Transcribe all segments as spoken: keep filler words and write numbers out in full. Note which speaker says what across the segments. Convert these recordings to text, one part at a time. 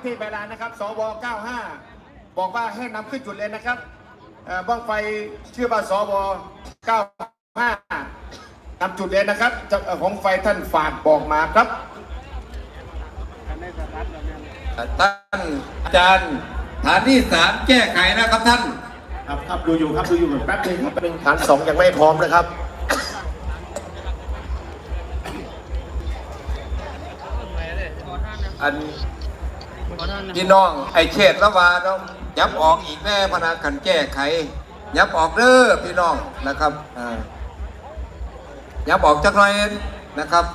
Speaker 1: ที่เวลานะครับสวเก้าห้าบอกว่าให้นำขึ้นจุดเลยนะครับบ้องไฟชื่อว่าสวเก้าห้านำจุดเลยนะครับของไฟท่านฝากบอกมาครับ
Speaker 2: ท่านอาจารย์ฐานที่สามแก้ไขนะครับท่าน
Speaker 1: ครับครับดูอยู่ครับดูอยู่แป๊บนึงครับเป็นฐานสองยังไม่พร้อมนะครับ
Speaker 2: อันพี่น้องไอเขตละวาต้องยับออกอีกแน่พนักกันแก้ไขยับออกเด้อพี่น้องนะครับยับออกจักหน่อยนะครับ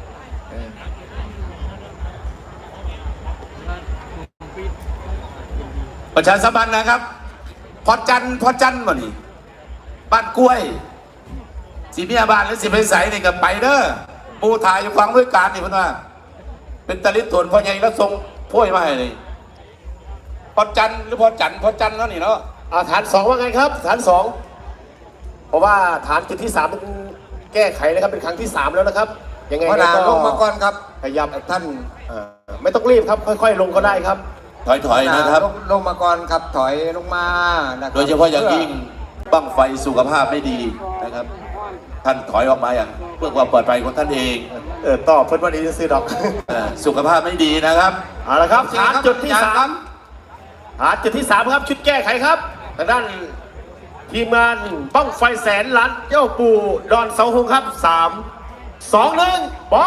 Speaker 1: ประชาสัมพันธ์นะครับพอจันพอจันมาดิบ้านกล้วยสีเมียบ้านหรือสีเพชรใสนี่กับไปเด้อปูถ่ายอยู่ฟังด้วยการนี่เพื่อนว่าเป็นตะลิตวนพ่อใหญ่แล้วทรงพ่วยมาให้เลยพอจันหรือพอจันพอจันแล้วนี่เนาะฐานสองว่าไงครับฐานสองเพราะว่าฐานจุดที่สามเป็นแก้ไขนะครับเป็นครั้งที่สามแล้วนะครับยังไงก็
Speaker 2: ลงมาก่อนครับ
Speaker 1: พยายามท่านไม่ต้องรีบครับค่อยๆลงก็ได้ครับถอยๆนะครับ
Speaker 2: ลงมาก่อนครับถอยลงมา
Speaker 1: โดยเฉพาะอย่างยิ่งบั้งไฟสุขภาพไม่ดีนะครับท่านถอยออกมาอย่างเพื่อความปลอดภัยของท่านเองเออต่อเพื่อนวันนี้จะซื้อดอกสุขภาพไม่ดีนะครับเอาละครับฐานจุดที่สามฐานจุดที่สามครับชุดแก้ไขครับทางด้านทีมงานบั้งไฟแสนล้านเจ้าปู่ดอนเสาหงครับสามสองหนึ่งไป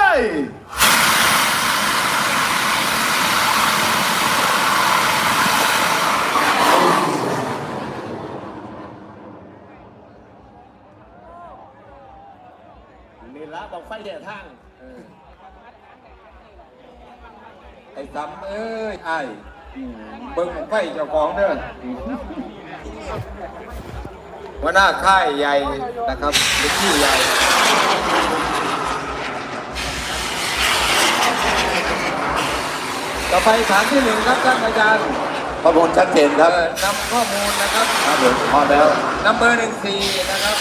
Speaker 1: นี่ละบั้งไฟเดียทาง
Speaker 2: ไอ้ซ้ำเอ้ยไอ้เบิ้งไฟเจ้าของเด้อหัวหน้าค่ายใหญ่นะครับเป็นที่ใหญ่ต่อไปฐานที่หนึ่งครับท่านอาจารย์
Speaker 1: ข้อมูลชัดเจนครับ
Speaker 2: นำข้อมูลนะครับ
Speaker 1: ครับผมพอแล้ว
Speaker 2: นัมเบอร์หนึ่งสี่นะครับ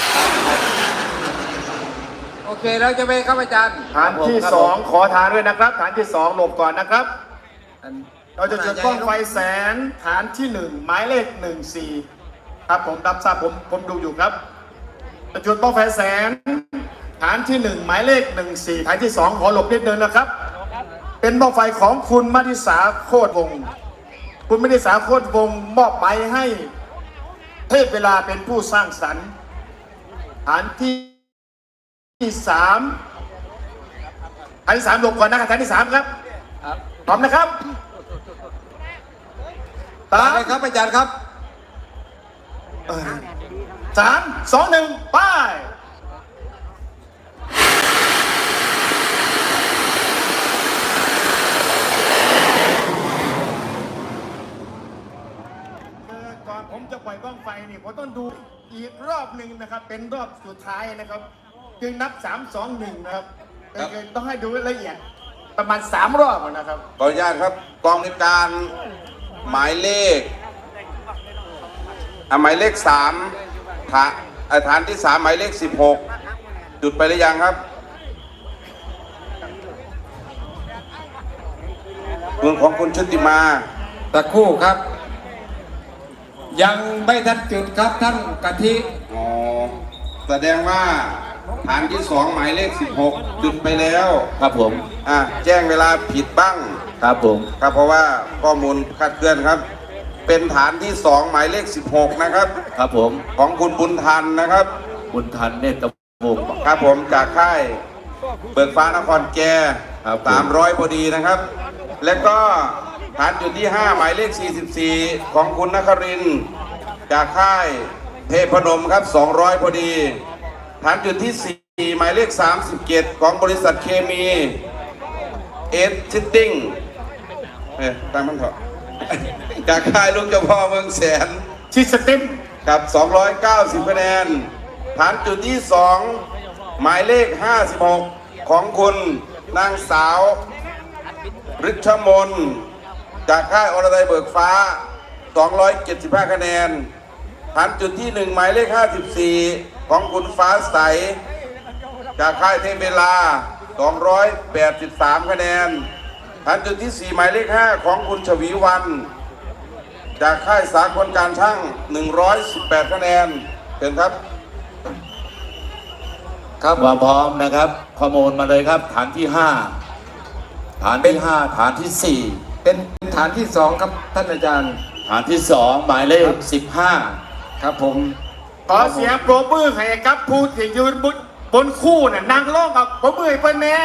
Speaker 2: โอเคแล้วจะไปครับอาจารย์
Speaker 1: ฐานที่สองขอฐานด้วยนะครับฐานที่สองหลบก่อนนะครับเราจะจุดบ้องไฟแสนฐานที่หนึ่งหมายเลขหนึ่งสี่ครับผมรับทราบผมผมดูอยู่ครับจะจุดบ้องไฟแสนฐานที่หนึ่งหมายเลขหนึ่งสี่ฐานที่สองขอหลบนิดเดินนะครับเป็นบ้องไฟของคุณมณิสาโคตรวงศ์คุณมณิสาโคตรวงศ์มอบไปให้เทพเวลาเป็นผู้สร้างสรรค์ฐานที่ที่สามฐานที่สามหลบก่อนนะครับฐานที่สามครับพร้อมนะครับ
Speaker 2: ตามเลยครับอาจารย์ครับ
Speaker 1: สามสองหนึ่งไปก่อนผมจะปล่อยบ้างไฟนี่ผมต้องดูอีกรอบหนึ่งนะครับเป็นรอบสุดท้ายนะครับจึงนับสามสองหนึ่งนะครับต้องให้ดูละเอียดประมาณสามรอบนะครับ
Speaker 2: ขออนุญาตครับกองในการหมายเลขหมายเลขสามฐานฐานที่สามหมายเลขสิบหกจุดไปหรือยังครับมือของคุณชุติมาตะคู่ครับยังไม่ทันจุดครับท่านกะทิอ๋อแสดงว่าฐานที่สองหมายเลขสิบหกจุดไปแล้ว
Speaker 1: ครับผม
Speaker 2: อ่ะแจ้งเวลาผิดบ้าง
Speaker 1: ครับผม
Speaker 2: ครับเพราะว่าข้อมูลคลาดเคลื่อนครับเป็นฐานที่สองหมายเลขสิบหกนะครับ
Speaker 1: ครับผม
Speaker 2: ของคุณบุญทันนะครับ
Speaker 1: บุญทันเนตรวงศ์
Speaker 2: ครับผมจากค่ายเบิกฟ้านครแก่สามร้อยพอดีนะครับและก็ฐานจุดที่ห้าหมายเลขสี่สิบสี่ของคุณนครินทร์จากค่ายเทพนมครับสองร้อยพอดีฐานจุดที่สี่หมายเลขสามสิบเจ็ดของบริษัทเคมีเอสชิตติ้งเอ๊ะตามมันเถอะจากค่ายลูกเจ้าพ่อเมืองแสน
Speaker 1: ชิสติม
Speaker 2: กับสองร้อยเก้าสิบคะแนนฐานจุดที่สองหมายเลขห้าสิบหกของคุณนางสาวฤชมนจากค่ายอรไทยเบิกฟ้าสองร้อยเจ็ดสิบห้าคะแนนฐานจุดที่หนึ่งหมายเลขห้าสิบสี่ของคุณฟ้าใสจากค่ายเทพเวลาสองร้อยแปดสิบสามคะแนนฐานจุดที่สี่หมายเลขห้าของคุณชวีวันจากค่ายสากลการช่างหนึ่งร้อยสิบแปดคะแนนเชิญครับ
Speaker 3: ครับความพร้อมนะครับข้อมูลมาเลยครับ ฐานที่ห้าฐานที่ห้าฐานที่สี่
Speaker 4: เป็นฐานที่สองครับท่านอาจารย์
Speaker 3: ฐานที่สองหมายเลขสิบห้า
Speaker 4: ครับผม
Speaker 1: ขอเสียงปรบมือให้กับผู้ที่ยืนบนบนคู่น่ะนางร้องกับปรบมือให้เพิ่นแน่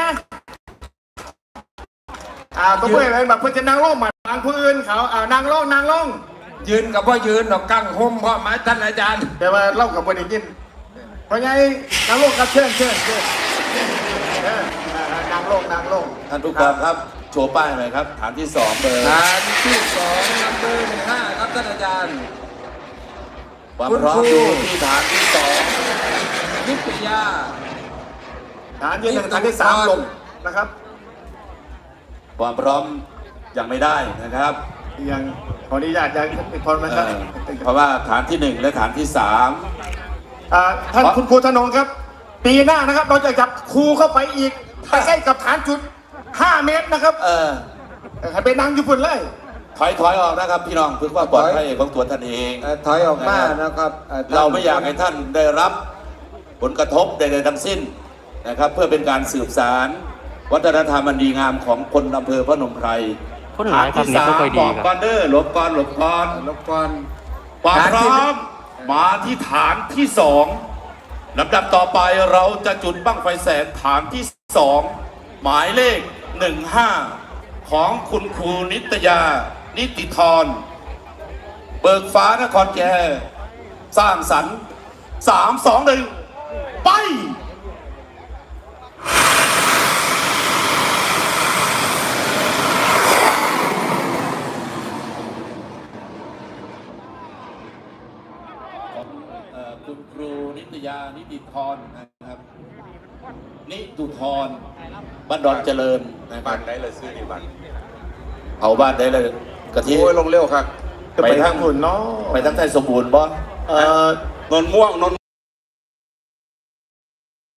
Speaker 1: อ่าปรบมือให้เพิ่นแบบเพิ่นจะนางร้องมาทางผู้อื่นเขาอ่านางร้องนางร้อง
Speaker 4: ยืนกับว่ายืนดอกกั้งห่มพ่อไม้ท่านอาจารย์
Speaker 1: แต่ว่าเล่ากับบริยินเพราะไงนางร้องกับเชิญเชิญเชิญเอออ่านางร้องนางร้อง
Speaker 3: ท่านผู้กองครับโชว์ป้ายหน่อยครับ ฐานที่สองเบอร์
Speaker 4: ฐานที่สองนัมเบอร์หนึ่งห้าครับท่านอาจารย์
Speaker 3: ความพร้อมอยู่ที่ฐานที่สอง
Speaker 4: นิตยา
Speaker 1: ฐานที่หนึ่งฐานที่สามลงนะครับ
Speaker 3: ความพร้อมยังไม่ได้นะครับ
Speaker 1: ยังขออนุญาตยังพอไหม
Speaker 3: เอ
Speaker 1: ครับ
Speaker 3: อเพราะว่าฐานที่หนึ่งและฐานที่สาม
Speaker 1: อ่าท่านคุณครูธนงครับ ปีหน้านะครับ เราจะจับครูเข้าไปอีกใกล้ๆกับฐานจุดห้าเมตรนะครับ
Speaker 3: เออ
Speaker 1: ให้ไปนั่งอยู่พุ่นเลย
Speaker 3: ถอยถอยออกนะครับพี่น้องเพื่อความปลอดภัยของตัวท่านเอง
Speaker 4: เอ่อถอยออกมานะครับอ่อท่น
Speaker 3: เราไม่อยากให้ท่านได้รับผลกระทบใดๆทั้งสิ้นนะครับ เพื่อเป็นการสืบสารวัฒนธรรมอันดีงามของคนอำเภอพนมไพร
Speaker 5: คนหลายครับ
Speaker 3: ฐนที่สาม
Speaker 5: นี่ก็ค่อยดี
Speaker 3: บอก
Speaker 5: ครับ
Speaker 3: ก่อนเด้อหลบก่อนหลบก่อน
Speaker 4: รบกวน
Speaker 3: ความ
Speaker 4: ฐาน
Speaker 3: พ
Speaker 4: ที่
Speaker 3: ร้อมมาที่ฐานที่สองลำดับต่อไปเราจะจุดบั้งไฟแสนฐานที่สองหมายเลขหนึ่งห้าของคุณครูนิตยา นิติธรเบิกฟ้านครแก่สร้างสรรค์สามสองหนึ่งไป เอ่อคุณครูนิตยา นิติธรนะครับ นิตุธรบ้านดอนเจริญนะค
Speaker 2: บ้า
Speaker 3: รับ
Speaker 2: นไหนเลยซื้อดีบ้าน
Speaker 3: เอาบ้านได้เลยกะทิ
Speaker 2: โอ้ยลงเร็วครับ
Speaker 1: จะไปทางพุ่นเนาะ
Speaker 3: ไปทั้งไทยสมบูรณ์บ่
Speaker 1: เอ่อน
Speaker 2: นม่วงนน